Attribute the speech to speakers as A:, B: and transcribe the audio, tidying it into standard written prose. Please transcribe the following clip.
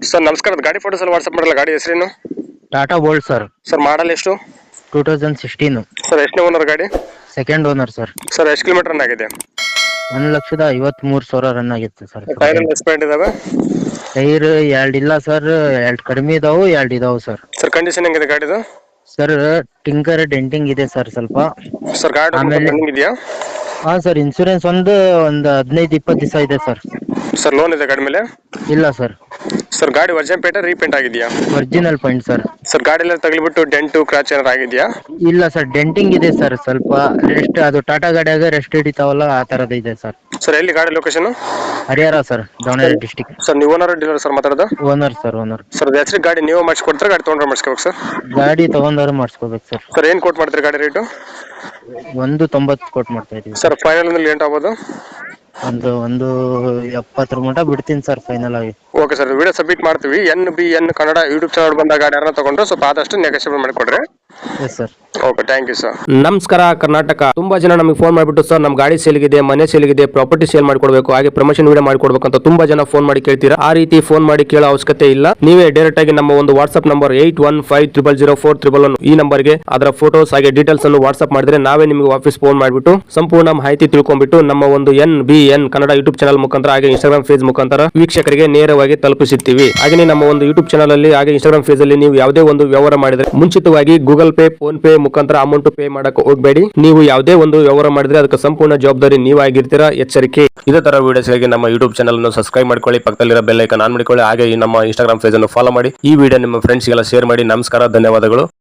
A: Sir ನಮಸ್ಕಾರ, ಗಾಡಿ photos ಎಲ್ಲ ವಾಟ್ಸ್ಆಪ್ ಮಾಡಲ್ಲ. ಗಾಡಿ ಹೆಸರೇನು?
B: Tata Bolt sir.
A: Sir model ಎಷ್ಟು?
B: 2016.
A: ಸರ್ ಎಷ್ಟನೇ ಓನರ್ ಗಾಡಿ?
B: Second owner sir.
A: ಸರ್ ಎಷ್ಟು ಕಿಲೋಮೀಟರ್ ರನ್ ಆಗಿದೆ?
B: 1,53,000 ರನ್ ಆಗಿತ್ತು ಸರ್.
A: ಟೈರ್ ಎಲ್ಲ ಎಕ್ಸ್ಪೈರ್ಡ್ ಇದಾವೆ?
B: ಟೈರ್ 2 ಇಲ್ಲ ಸರ್, 2 ಕಡಿಮೆ ಇದಾವು, 2 ಇದಾವು ಸರ್.
A: ಸರ್ ಕಂಡೀಷನ್ ಹೆಂಗಿದೆ ಗಾಡಿದು?
B: ಸರ್ ಟಿಂಕರ್ ಡೆಂಟಿಂಗ್ ಇದೆ ಸರ್ ಸ್ವಲ್ಪ.
A: ಸರ್ ಗಾಡಿ
B: ಆಮೇಲೆ
A: ರನ್ನಿಂಗ್ ಇದೆಯಾ?
B: ಹಾ ಸರ್, ಇನ್ಸೂರೆನ್ಸ್ ಒಂದು 15-20 ದಿವಸ ಇದೆ ಸರ್.
A: ಸರ್ ಲೋನ್ ಇದೆ ಗಾಡಿ ಮೇಲೆ?
B: ಇಲ್ಲ ಸರ್.
A: ಸರ್ ಗಾಡಿ ವರ್ಜನ್ ಪೇಟೆ ರೀಪೇಂಟ್ ಆಗಿದೆಯಾ?
B: Original paint sir.
A: ಸರ್ ಗಾಡಿ ಎಲ್ಲ ತಗಲಿಬಿಟ್ಟು ಡೆಂಟು ಕ್ರಾಚ್ ಏನಾರು ಆಗಿದೆಯಾ?
B: ಇಲ್ಲ ಸರ್, ಡೆಂಟಿಂಗ್ ಇದೆ ಸರ್ ಸ್ವಲ್ಪ. ರೆಸ್ಟ್, ಅದು ಟಾಟಾ ಗಾಡಿಯಾಗ ರೆಸ್ಟ್ ಹಿಡಿತಾವಲ್ಲ, ಆ ತರದ್ ಇದೆ ಸರ್.
A: ಸರ್ ಎಲ್ಲಿ ಗಾಡಿ location?
B: Harihara sir, Davanagere district.
A: Sir ನೀವು ಓನರ್ ಡೀಲರ್ ಸರ್ ಮಾತಾಡೋದು?
B: Owner sir, owner.
A: ಸರ್ ಅದು ಹೆಸರು ಗಾಡಿ ನೀವು ಮಾಡಿಸ್ಕೊಡ್ತಾರೆ, ಗಾಡಿ ತೊಗೊಂಡ್ರೆ ಮಾಡಿಸ್ಕೋಬೇಕು ಸರ್?
B: ಗಾಡಿ ತಗೊಂಡವ್ರು ಮಾಡಿಸ್ಕೋಬೇಕು ಸರ್.
A: ಸರ್ ಏನು ಕೋಟ್ ಮಾಡ್ತೀರಿ ಗಾಡಿ ರೇಟು?
B: 190 ಕೊಟ್ಟು ಮಾಡ್ತಾ ಇದೀವಿ
A: ಸರ್ ಫೈನಲ್ ಅಂದ್ರೆ ಲೇಟ್ ಆಗ್ಬೋದು?
B: ಒಂದು 70 ಮಟ ಬಿಡ್ತೀನಿ ಸರ್ ಫೈನಲ್ ಆಗಿ.
A: ಓಕೆ ಸರ್, ವಿಡಿಯೋ ಸಬ್ಮಿಟ್ ಮಾಡ್ತೀವಿ. NBN ಕನ್ನಡ ಯೂಟ್ಯೂಬ್ ಚಾನಲ್ ಬಂದ ಗಾಡಿ ಯಾರನ್ನ ತಗೊಂಡ್ರೆ ಸ್ವಲ್ಪ ಆದಷ್ಟು ನೆಗೋಷಿಯೇಟ್ ಮಾಡಿಕೊಡ್ರಿ.
B: Yes sir.
A: Okay, thank you sir.
C: ನಮಸ್ಕಾರ ಕರ್ನಾಟಕ. ತುಂಬಾ ಜನ ನಮಗೆ ಫೋನ್ ಮಾಡಿಬಿಟ್ಟು ಸರ್ ನಮ್ಮ ಗಾಡಿ ಸೇಲ್ಗಿದೆ, ಮನೆ ಸೇಲ್ಗಿದೆ, ಪ್ರಾಪರ್ಟಿ ಸೇಲ್ ಮಾಡ್ಕೊಡ್ಬೇಕು, ಹಾಗೆ ಪ್ರಮೋಷನ್ ವಿಡಿಯೋ ಮಾಡ್ಕೊಡ್ಬೇಕು ಅಂತ ತುಂಬಾ ಜನ ಫೋನ್ ಮಾಡಿ ಕೇಳ್ತೀರಾ. ಆ ರೀತಿ ಫೋನ್ ಮಾಡಿ ಕೇಳೋ ಅವಶ್ಯಕತೆ ಇಲ್ಲ. ನೀವೇ ಡೈರೆಕ್ಟ್ ಆಗಿ ನಮ್ಮ ಒಂದು ವಾಟ್ಸ್ಆಪ್ ನಂಬರ್ 81500411 ಈ ನಂಬರ್ಗೆ ಅದರ ಫೋಟೋಸ್ ಹಾಗೆ ಡೀಟೇಲ್ಸ್ ಅನ್ನು ವಾಟ್ಸ್ಆಪ್ ಮಾಡಿದ್ರೆ ನಾವೇ ನಿಮಗೆ ವಾಪಸ್ ಫೋನ್ ಮಾಡಿಬಿಟ್ಟು ಸಂಪೂರ್ಣ ಮಾಹಿತಿ ತಿಳ್ಕೊಂಡ್ಬಿಟ್ಟು ನಮ್ಮ ಒಂದು NBN ಕನ್ನಡ ಯೂಟ್ಯೂಬ್ ಚಾನಲ್ ಮುಖಾಂತರ ಹಾಗೆ ಇನ್ಸ್ಟಾಗ್ರಾಮ್ ಪೇಜ್ ಮುಖಾಂತರ ವೀಕ್ಷಕರಿಗೆ ನೇರವಾಗಿ ತಲುಪಿಸುತ್ತೀವಿ. ಹಾಗೆ ನಮ್ಮ ಒಂದು ಯೂಟ್ಯೂಬ್ ಚಾನಲ್ ಅಲ್ಲಿ ಹಾಗೆ ಇನ್ಸ್ಟಾಗ್ರಾಮ್ ಪೇಜ್ ಅಲ್ಲಿ ನೀವು ಯಾವುದೇ ಒಂದು ವ್ಯವಹಾರ ಮಾಡಿದ್ರೆ ಮುಂಚಿತವಾಗಿ ಗೂಗಲ್ ಪೇ, ಫೋನ್ ಪೇ ಮುಖಾಂತರ ಅಮೌಂಟ್ ಪೇ ಮಾಡಕ್ಕೆ ಹೋಗಬೇಡಿ. ನೀವು ಯಾವುದೇ ಒಂದು ವ್ಯವಹಾರ ಮಾಡಿದ್ರೆ ಅದಕ್ಕೆ ಸಂಪೂರ್ಣ ಜವಾಬ್ದಾರಿ ನೀವಾಗಿರ್ತೀರಾ, ಎಚ್ಚರಿಕೆ. ಇದೇ ತರ ವಿಡಿಯೋಸ್ಗಾಗಿ ನಮ್ಮ ಯೂಟ್ಯೂಬ್ ಚಾನಲ್ ಅನ್ನು ಸಬ್ಸ್ಕ್ರೈಬ್ ಮಾಡ್ಕೊಳ್ಳಿ, ಪಕ್ಕದಲ್ಲಿರೋ ಬೆಲ್ ಐಕಾನ್ ಆನ್ ಮಾಡಿಕೊಳ್ಳಿ, ಹಾಗೆ ನಮ್ಮ ಇನ್ಸ್ಟಾಗ್ರಾಮ್ ಪೇಜ್ ಅನ್ನು ಫಾಲೋ ಮಾಡಿ. ಈ ವಿಡಿಯೋ ನಿಮ್ಮ ಫ್ರೆಂಡ್ಸ್ಗೆಲ್ಲ ಶೇರ್ ಮಾಡಿ. ನಮಸ್ಕಾರ, ಧನ್ಯವಾದಗಳು.